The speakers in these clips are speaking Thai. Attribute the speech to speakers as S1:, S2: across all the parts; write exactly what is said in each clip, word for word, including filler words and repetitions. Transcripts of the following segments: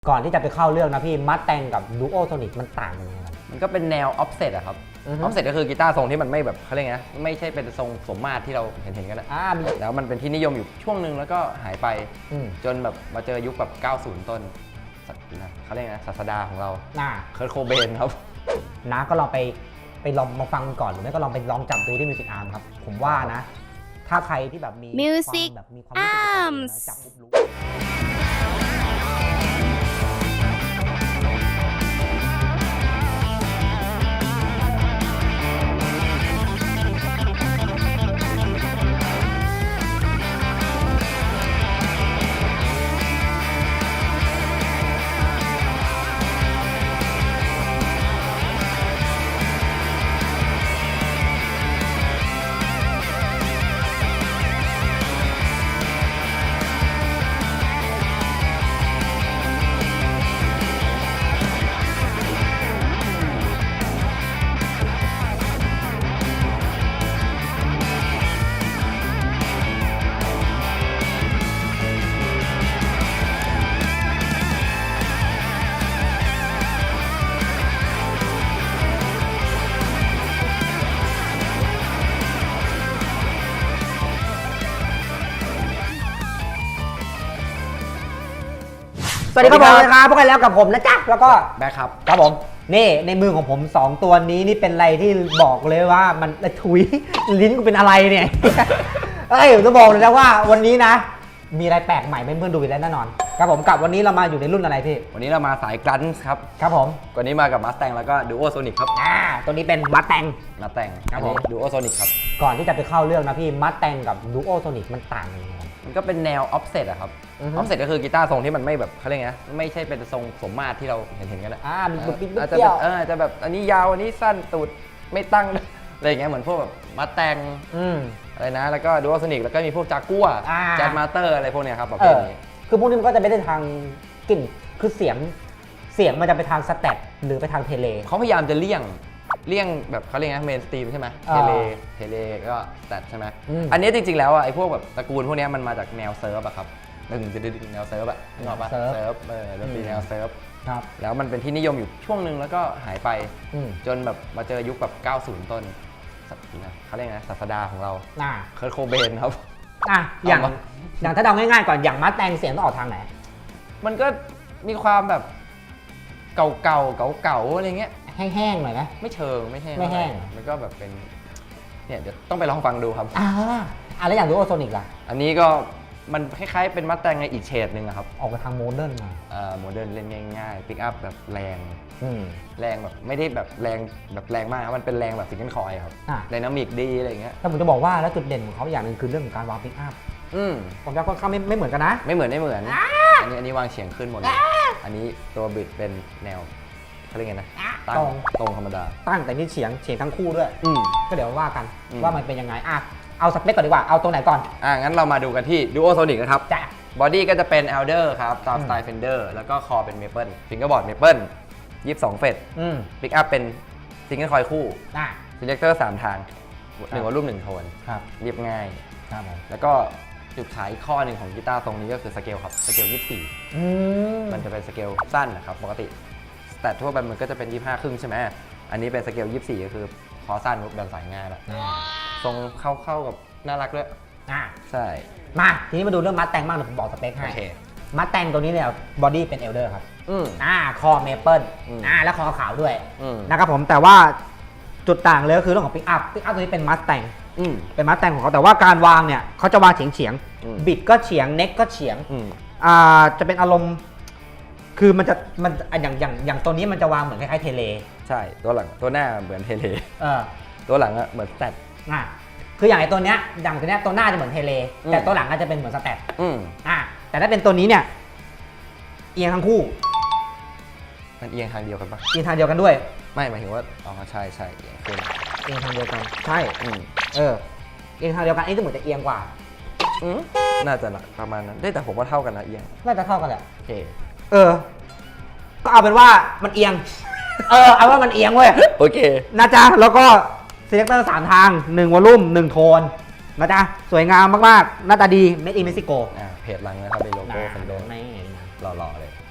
S1: ก่อนที่จะไปเข้าเรื่องนะพี่มัดแตงกับดูโอโซนิกมันต่างกันยังไง
S2: มันก็เป็นแนวออฟเซตอะครับออฟเซตก็คือกีตาร์ทรงที่มันไม่แบบเขาเรียกไงไม่ใช่เป็นทรงสมมาตรที่เราเห็นเห็นกันนะแล้วมันเป็นที่นิยมอยู่ช่วงหนึ่งแล้วก็หายไปจนแบบมาเจอยุคแบบเก้าสิบต้นเขาเรียกไงศาสดาของเราเคิร์ท โคเบนครับ
S1: นะก็ลองไปไปลองมาฟังก่อนหรือไม่ก็ลองไปลองจับดูที่มิวสิกอาร์มครับผมว่านะถ้าใครที่แบบมี
S3: มิวสิกอาร์ม
S1: จับปุ๊บรู้สวัสดีครับผมนะครับพวกกันแล้วกับผมนะจ๊ะแล้วก็
S2: แบ็คครับ
S1: ครับผมนี่ในมือของผมสองตัวนี้นี่เป็นอะไรที่บอกเลยว่ามันถุยลิ้นกูเป็นอะไรเนี่ยเอ้ยผมจะบอกเลยนะว่าวันนี้นะมีอะไรแปลกใหม่ให้เพื่อนดูอีกแล้วแน่นอนครับผมกับวันนี้เรามาอยู่ในรุ่นอะไรพี่
S2: วันนี้เรามาสายกรันส์ครับ
S1: ครับผม
S2: วันนี้มากับมัสแตงแล้วก็ดูโอโซนิกครับ
S1: อ่าตัวนี้เป็นมัสแตง
S2: มัสแตง
S1: ครับผม
S2: ดูโอโซนิกครับ
S1: ก่อนที่จะไปเข้าเรื่องนะพี่มัสแตงกับดูโอโซนิกมันต่างกันยังไง
S2: มันก็เป็นแนวออฟเซตอะครับออฟเซตก็คือกีตาร์ทรงที่มันไม่แบบเขาเรียกไงไม่ใช่เป็นทรงสมมาตรที่เราเห็นเห็นกันนะ
S1: อ่ามี
S2: บุ
S1: บปิ๊บ
S2: อาจจะแบบเออจะแบบอันนี้ยาวอันนี้สั้นตูดไม่ตั้งอะไรอย่างเงี้ยเหมือนพวกแบบมัสแตงอะไรนะแล้วก็ดูโอโซนิกแล้วก็มีพวกจากัวแจดมาสเตอร์อะไรพวกเนี้ยครับแบบนี้
S1: คือพวกนี้มันก็จะไม่ได้ทางกลิ่นคือเสียงเสียงมันจะไปทางสแตทหรือไปทางเทเล
S2: เขาพยายามจะเลี่ยงเลี่ยงแบบเขาเรียกไงเมนสตรีมใช่ไหมเทเลเทเลก็สแตทใช่ไหมอันนี้จริงๆแล้วอ่ะไอ้พวกแบบตระกูลพวกนี้มันมาจากแนวเซิร์ฟอะครับดึงจะดึงแนวเซิร์ฟอะนึกออกปะเซิร์ฟเออดนตรีแนวเซิร์ฟแล้วมันเป็นที่นิยมอยู่ช่วงหนึ่งแล้วก็หายไปจนแบบมาเจอยุคแบบเก้าสิบต้นเขาเรียกไงศาสดาของเราเคิร์ท โคเบนครับ
S1: อ่ะอย่างอย่างถ้าเดาง่ายๆก่อนอย่างมัสแตงเสียงต้องออกทางไหน
S2: มันก็มีความแบบเก่าๆเก่าๆอะไรเงี้ย
S1: แห้งๆหน่อยไหม
S2: ไม่เชิงไม่แห้ง
S1: ไม่แห้ง
S2: มันก็แบบเป็นเนี่ยเดี๋ยวต้องไปลองฟังดูครับ
S1: อ่าอ่ะแล้วอย่างดูโอโซนิกล่ะ
S2: อันนี้ก็มันคล้ายๆเป็นมัสแตงในอีกเฉดหนึ่งครับ
S1: ออกไปทางโมเดิร์นมา
S2: เอ่อโมเดิร์นเล่นง่ายๆปิกอัพแบบแรงแรงแบบไม่ได้แบบแรงแบบแรงมากมันเป็นแรงแบบซิงเกิลคอยครับไดนามิกดีอะไรเงี้ย
S1: แต่ผมจะบอกว่าแล้วจุดเด่นของเขาอย่างหนึ่งคือเรื่องของการวางปิกอัพ
S2: อืม
S1: ผมจะค่อนข้างไม่ไม่เหมือนกันนะ
S2: ไม่เหมือนไม่เหมือนอันนี้อันนี้วางเฉียงขึ้นหมดเลยอันนี้ตัวบิดเป็นแนวเขาเรียกไงนะตั้งตรงธรรมดา
S1: ตั้งแต่นี่เฉียงเฉียงทั้งคู่ด้วยก็เดี๋ยวว่ากันว่ามันเป็นยังไงอ่ะเอาสเปคก่อนดีกว่าเอาตรงไหนก่อน
S2: อ่ะงั้นเรามาดูกันที่ดูโอโซนิกนะครับจ้ะบอดี้ก็จะเป็น Elder ครับตามสไตล์ Fender แล้วก็คอเป็น Maple ฟิงเกอร์บอร์ด Maple ยี่สิบสองเฟรตปิกอัพเป็นซิงเกิลคอยคู่ซีเลคเตอร์สามทางหนึ่งวอลลุ่มหนึ่งโทนเรียบง่ายแล้วก็จุดขายอีกข้อหนึ่งของกีตาร์ตรงนี้ก็คือสเกลครับสเกลยี่สิบสี่มันจะเป็นสเกลสั้นนะครับปกติแต่ทั่วไปมันก็จะเป็นยี่สิบห้าครึ่งใช่ไหมอันนี้เป็นสเกลยี่สิบสี่ก็คือคอสั้นแบบสายง่ายแล้วทรงเข้าเข้ากับน่ารักด้วยใช่
S1: มาทีนี้มาดูเรื่องมัสแตงบ้างเดี๋ยวผมบอกสเปคให้มัสแตงตัวนี้เนี่ยบอดี้เป็นเอลเดอร์ครับอ่าคอเมเปิลอ่าแล้วคอขาวด้วยนะครับผมแต่ว่าจุดต่างเลยก็คือเรื่องของปิกอัพปิกอัพตัวนี้เป็นมัสแตงเป็นมัสแตงของเขาแต่ว่าการวางเนี่ยเขาจะวางเฉียงเฉียงบิดก็เฉียงเน็กก็เฉียงอ่าจะเป็นอารมณ์คือมันจะมันอย่างอย่างอย่างตัวนี้มันจะวางเหมือนคล้ายๆเทเล
S2: ใช่ตัวหลังตัวหน้าเหมือนเทเล
S1: เออ
S2: ตัวหลังอะเหมือนสแตท
S1: อ่าคืออย่างไอตัวเนี้ยอย่างตัวเนี้ยตัวหน้าจะเหมือนเทเลแต่ตัวหลังก็จะเป็นเหมือนสแตทอ่าแต่ถ้าเป็นตัวนี้เนี่ยเอียงทั้งคู่
S2: มันเอียงทางเดียวกันปะ
S1: เอียงทางเดียวกันด้วย
S2: ไม่หมายถึงว่าอ๋อใช่ใช่เอียงขึ้น
S1: เอียงทางเดียวกันใช่เออเอียงทางเดียวกันไอ้ตัวเหมือนจะเอียงกว่า
S2: น่าจะประมาณนั้นได้แต่ผมว่าเท่ากันนะเอียง
S1: น่าจะเท่ากันแหละ
S2: โอเค
S1: เออก็เอาเป็นว่ามันเอียงเออเอาว่ามันเอียงเว้ย
S2: โอเค
S1: นะจ๊ะแล้วก็ซีเลคเตอร์สามทางหนึ่งวอลลุ่มหนึ่งโทนนะจ๊ะสวยงามมากๆหน้าตาดี Made in Mexico
S2: อ่าเพจหลังนะครับเป็นโลโก้เฟนเดอร์หล่อๆเลย
S1: ครับผม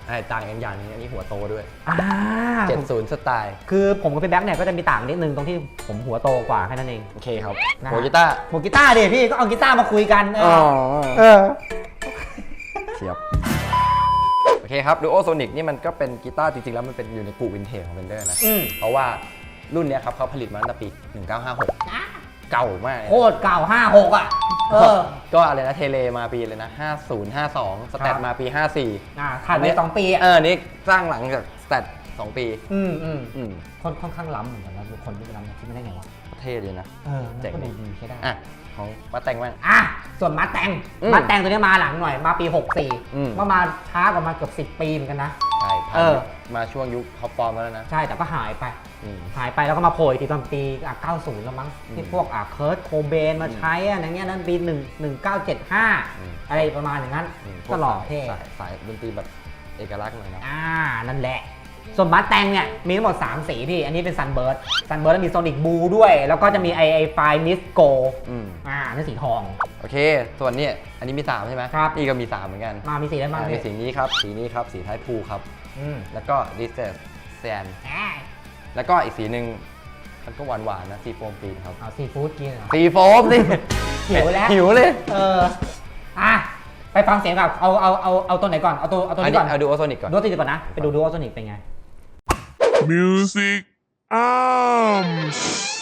S2: ไอ้ต่างกันอย่างนี้อันนี้หัวโตด้วย
S1: อ่า
S2: เจ็ดสิบสไตล์
S1: คือผมกับพี่แบ็คเนี่ยก็จะมีต่างนิดนึงตรงที่ผมหัวโตกว่าแค่นั้นเอง
S2: โอเคครับ
S1: นะ
S2: หัวกีตาร์
S1: หัวกีตาร์ดิพี่ก็เอากีตาร์มาคุยกันเออเออ
S2: เฉียบโอเคครับดูโอโซนิกนี่มันก็เป็นกีตาร์จริงๆแล้วมันเป็นอยู่ในกลุ่มวินเทจของเบนเดอร์นะ
S1: อืม
S2: เพราะว่ารุ่นเนี้ยครับเขาผลิตมาตั้งแต่ปีหนึ่งเก้าห้าหกเก่ามากเลย
S1: โคตรเก่าห้าหกอ่ะเออ
S2: ก็อะไรนะเทเลมาปีเลยนะห้าสิบ ห้าสิบสองสแตทมาปีห้าสิบสี่
S1: อ่าถัดไปสองปีอ่ะ
S2: เออนี่สร้างหลังจากสแตทสองปี
S1: อืมอืม
S2: อืม
S1: ค่อนค่อนข้างล้ำเหมือนกันนะทุกคนที่ล้ำคิดไม่ได้ไงวะ
S2: เท่เลยนะ
S1: เออมัน
S2: เจ๋ง
S1: ก็ดูดีใช่ได้
S2: อ่ะของมาแต่งบ้าง
S1: อ่ะส่วนมาแตง
S2: อืม
S1: มาแตงตัวนี้มาหลังหน่อยมาปีหกสี่
S2: อืม
S1: ก็มาช้ากว่ามาเกือบสิบปีเหมือนกันนะ
S2: ใช่
S1: เออ
S2: มาช่วงยุคท็อปฟอร์มแล้วนะ
S1: ใช่แต่ก็หายไป
S2: อืม
S1: หายไปแล้วก็มาโผล่อีกทีตอนปีอ่ะเก้าสิบแล้วมั้ง
S2: อืม
S1: ที่พวกอ่ะเคิร์ตโคเบนมาใช้อะอย่างเงี้ยนั่นปีหนึ่งหนึ่งเก้าเจ็ดห้า
S2: อืม
S1: อะไรประมาณอย่างนั้น
S2: อืม
S1: ก็หล่อเท่
S2: สายสายดนตรีแบบเอกลักษณ์หน่อยนะ
S1: อ่านั่นแหละ ส่วนมาแตงเนี่ยมีทั้งหมดสามสีพี่ อันนี้เป็นซันเบิร์ดซันเบิร์ดมีโซนิกบูด้วย แล้วก็จะมีไอไอไฟมิสโก
S2: อืม
S1: อ่านั่นสีทอง
S2: โอเค ส่วนนี้อันนี้มีสามใช่ไหม
S1: ครับ
S2: นี่ก็มีสามเหมือนกัน
S1: มามีสีอะไรบ้าง
S2: อ่ามี
S1: พี่
S2: สีนี้ครับสีนี้ครับสีไทยพูครับ
S1: อืม
S2: แล้วก็ดิสเซสแซน
S1: อ่า
S2: แล้วก็อีกสีหนึ่งมันก็หวานหวานๆนะซีโฟมปีนครับ
S1: เอาซีฟู้ดกินเหรอ
S2: ซีโฟมสิ
S1: หิวแล้ว
S2: หิวเลย
S1: เอออ่ะไปฟังเสียงกับเอาเอาเอาเอาตัวไหนก่อนเอาตัวเอาตัว
S2: อัน
S1: นี้
S2: นี้
S1: ก่อน
S2: เอาดูโอโซนิกก่อน
S1: ดูตัวนี้ก่อนนะไปดูดูโอโซนิกเป็นไง
S4: Music Arms.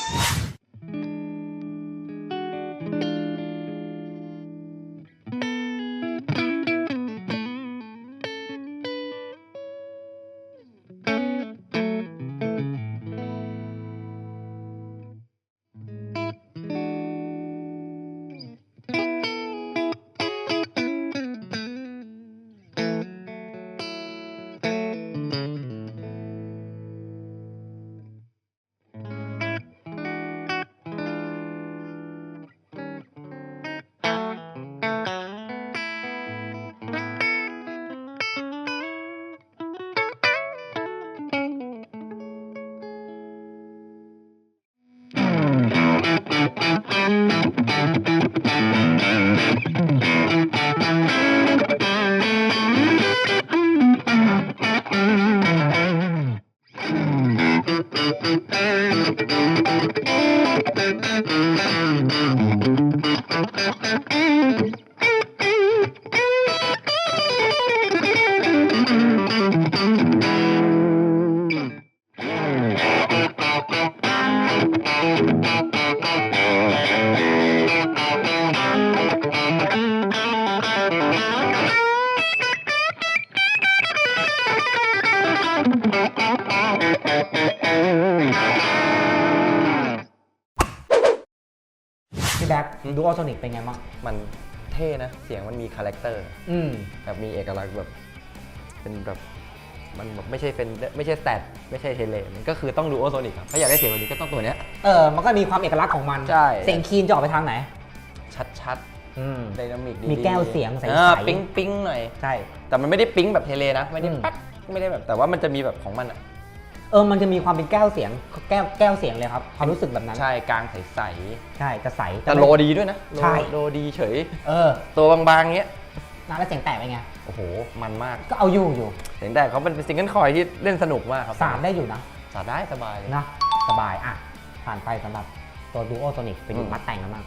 S1: พี่แบ็คดูโอโซนิกเป็นไงบ้าง
S2: มันเท่นะ เสียงมันมีคาแรคเตอร์
S1: อืม
S2: แบบมีเอกลักษณ์แบบเป็นแบบมันแบบไม่ใช่เป็นไม่ใช่สแตทไม่ใช่เทเลมันก็คือต้องดูโอโซนิกครับถ้าอยากได้เสียงแบบนี้ก็ต้องตัวเนี้ย
S1: เออมันก็มีความเอกลักษณ์ของมัน
S2: ใช่
S1: เสียงคีนจะออกไปทางไหน
S2: ชัด
S1: อืม
S2: ๆไดนามิกดี
S1: มีแก้วเสียงใสๆ
S2: ออปิ๊งปิ๊งหน่อย
S1: ใช่
S2: แต่มันไม่ได้ปิ๊งแบบเทเลนะ ไม่ได้
S1: อืม
S2: แป๊กไม่ได้แบบแต่ว่ามันจะมีแบบของมันอ่ะ
S1: เออมันจะมีความเป็นแก้วเสียงแก้วแก้วเสียงเลยครับความรู้สึกแบบนั้น
S2: ใช่กลางใส
S1: ใช่จะใส
S2: ๆแต่โลดีด้วยนะโล
S1: ใช่
S2: โลดีเฉย
S1: เออ
S2: ตัวบางๆเงี้ย
S1: น้าแล้วเสียงแตกเป็นไง
S2: โอ้โหมันมาก
S1: ก็เอาอยู่อยู่
S2: เสียงแต่เขาเป็นซิงเกิลคอยที่เล่นสนุกมากครับ
S1: สามได้อยู่นะ
S2: สาดได้สบายเลย
S1: นะสบายอ่ะผ่านไปสำหรับตัวดูโอโซนิกไปดู
S2: อืม
S1: มัดแต่งกันบ้าง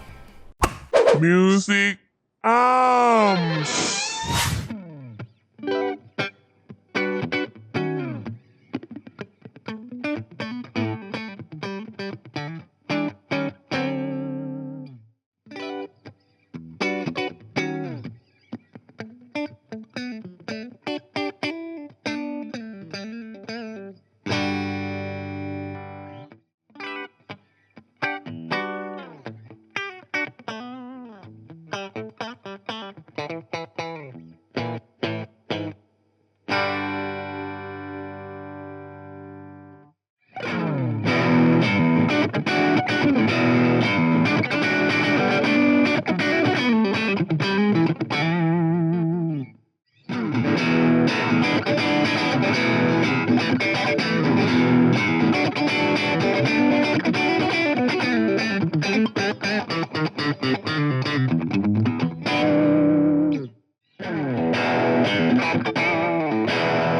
S4: Music Arms.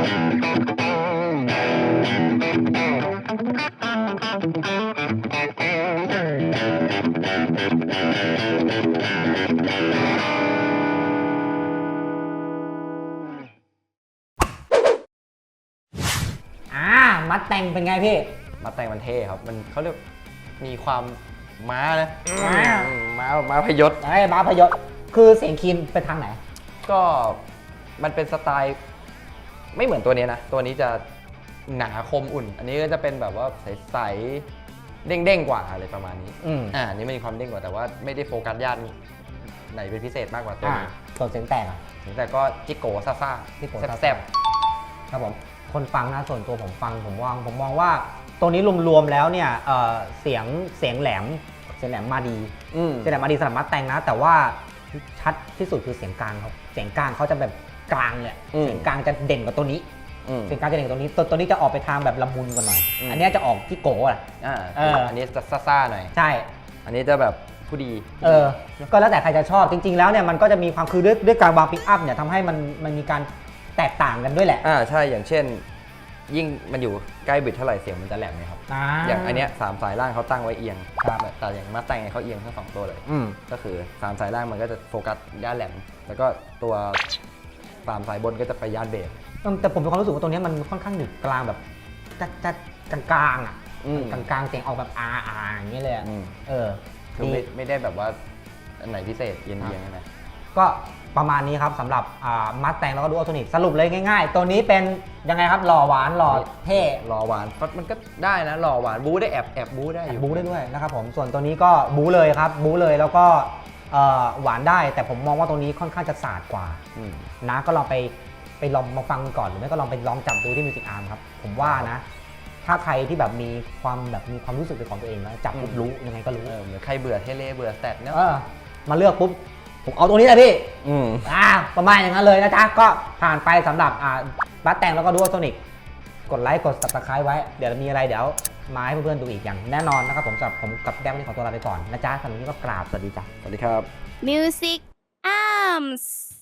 S1: อ่ามัดแต่งเป็นไงพี่
S2: มาแต่งมันเท่ครับ มันเขาเรียกมีความม้านะ
S1: ม้า
S2: อืมม้าม้าพยศ
S1: ไอ้บ้าพยศคือเสียงคีนไปทางไหน
S2: ก็มันเป็นสไตล์ไม่เหมือนตัวนี้นะ ตัวนี้จะหนาคมอุ่น อันนี้ก็จะเป็นแบบว่าใสๆเด้งๆกว่าอะไรประมาณนี้
S1: อืม
S2: อ่าอันนี้มันมีความเด้งกว่าแต่ว่าไม่ได้โฟกัสย่านไหนเป็นพิเศษมากกว่าตัว
S1: อ่า
S2: นี้
S1: ส่วนเสียงแตกอ่ะ
S2: แต่ก็จิโก้ซ่า
S1: จิโก้
S2: ๆ
S1: ซ่าๆ
S2: แซ่บ
S1: ครับผมคนฟังนะส่วนตัวผมฟังผมมองผมมองว่าตัวนี้รวมๆแล้วเนี่ยเอ่อเสียงเสียงแหลมเสียงแหลมมาดี
S2: ๆอืม
S1: เสียงแหลมมาดีสำหรับมัดแต่งนะ แต่ว่าชัดที่สุดคือเสียงกลางครับเสียงกลางเขาจะแบบกลางเลย
S2: อืม
S1: เสียงกลางจะเด่นกว่าตัวนี้
S2: อืม
S1: เสียงกลางจะเด่นกว่าตัวนี้ตัวตัวนี้จะออกไปทางแบบละมุนกว่าหน่อย
S2: อืม
S1: อันเนี้ยจะออกที่โก้อะ
S2: อ่า
S1: เอออั
S2: อันนี้จะซ่าๆหน่อย
S1: ใช่
S2: อันนี้จะแบบผู้ดี
S1: เออก็แล้วแต่ใครจะชอบจริง ๆ แล้วเนี่ยมันก็จะมีความคือด้วยด้วยการวางปิกอัพเนี่ยทำให้มันมันมีการแตกต่างกันด้วยแหละ
S2: อ่าใช่อย่างเช่น ยิ่งมันอยู่ใกล้บิดเท่าไหร่เสียงมันจะแหลมไหมครับ อย่างอันเนี้ยสามสายล่างเขาตั้งไว้เอียง
S1: ครับ
S2: แต่อย่างมาแต่งเขาเอียงทั้งสองตัวเลย
S1: อืม
S2: ก็คือสามสายล่างมันก็จะโฟกัสย่านแหลม แล้วก็ตัวสามสายบนก็จะไปย่านเบส
S1: แต่ผมมีความรู้สึกว่าตัวเนี้ยมันค่อนข้างหนึบกลางแบบจัดจัดกลางๆอ่ะ
S2: อืม
S1: กลางๆเสียงออกแบบอาอาอย่างเงี้ยเลยอะ
S2: อืม
S1: เออ
S2: คือไม่
S1: ดี
S2: ไม่ได้แบบว่าอันไหนพิเศษเอียงๆใช่ไหม
S1: ก็ประมาณนี้ครับสำหรับมัดแต่งแล้วก็ดูอัลโทนิกสรุปเลยง่ายๆ ตัวนี้เป็นยังไงครับหล่อหวานหล่อเท่
S2: รอหวานมันก็ได้นะรอหวานบู๊ได้แอบแอบบู๊ได้อยู่
S1: บู๊ได้ด้วยนะครับผมส่วนตัวนี้ก็บู๊เลยครับบู๊เลยแล้วก็เอ่อหวานได้แต่ผมมองว่าตัวนี้ค่อนข้างจะสาดกว่า
S2: อืม
S1: นะก็ลองไปไปลองมาฟังก่อนหรือไม่ก็ลองไปลองจับดูที่มิวสิกอาร์มครับผมว่านะ ถ้าใครที่แบบมีความแบบมีความรู้สึกเป็นของตัวเองนะจับปุ๊บรู้ยังไงก็รู้
S2: เออเหมือนใครเบื่อเทเลเบื่อแสตเนาะ
S1: เออมาเลือกปุ๊บผมเอาตัวนี้เลยพี่
S2: อืม
S1: อ่าประมาณอย่างนั้นเลยนะจ๊ะก็ผ่านไปสำหรับอ่าบัสแต่งแล้วก็ดูอัลโทนิกกดไลค์กด ซับสไครบ์ ไว้เดี๋ยวมีอะไรเดี๋ยวมาให้เพื่อนๆดูอีกอย่างแน่นอนนะครับผมสำหรับผมกับแก้มวันนี้ขอตัวลาไปก่อนนะจ๊ะสำหรับวันนี้ก็กราบสวัสดีจ้ะ
S2: สวัสดีครับ
S3: Music Arms